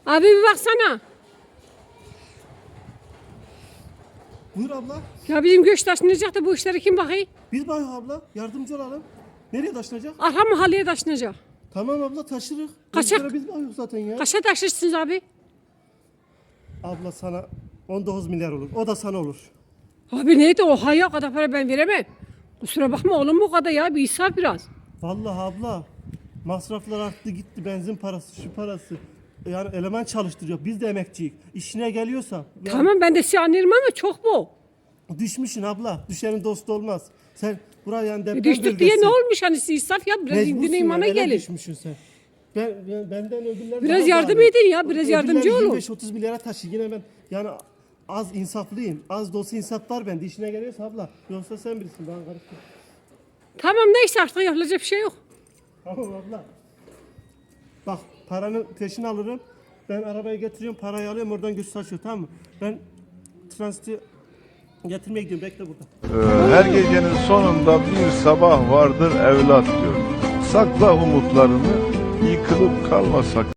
Abi bir baksana. Buyur abla. Ya bizim göç taşınacak da bu işlere kim bakıyor? Biz bak abla yardımcı olalım. Nereye taşınacak? Arka mahalleye taşınacak. Tamam abla taşırız. Kaçak. Biz bakıyoruz zaten ya. Kaça taşırsınız abi? Abla sana 19 milyar olur. O da sana olur. Abi neydi oha ya, o kadar para ben veremem. Kusura bakma oğlum, bu kadar ya, bir israf biraz. Vallahi abla masraflar arttı gitti, benzin parası şu parası. Yani eleman çalıştırıyor. Biz de emekçiyiz. İşine geliyorsa. Yani Tamam ben de sizi anlarım ama çok bu. düşmüşsün abla. Düşenin dostu olmaz. Sen buraya yani deprem Düştük diye ne olmuş hani, siz israf ya, biraz Mecbursun indirin imana yani, ele gelin. düşmüşsün sen. Benden öbürler Biraz daha yardım pahalı. edin ya, biraz yardımcı olun. 25-30 milyara taşı. Yine ben yani az insaflıyım. Az da olsa insaf var bende. İşine geliyorsa abla. Yoksa sen bilirsin. Bana karışma. Tamam neyse, artık yapılacak bir şey yok. Tamam abla. Bak paranın peşini alırım. Ben arabaya getiriyorum, parayı alıyorum, oradan götür saçıyor, tamam mı? Ben transiti getirmeye gidiyorum, bekle burada. Her gecenin sonunda bir sabah vardır evlat diyor. Sakla umutlarını, yıkılıp kalma sakın.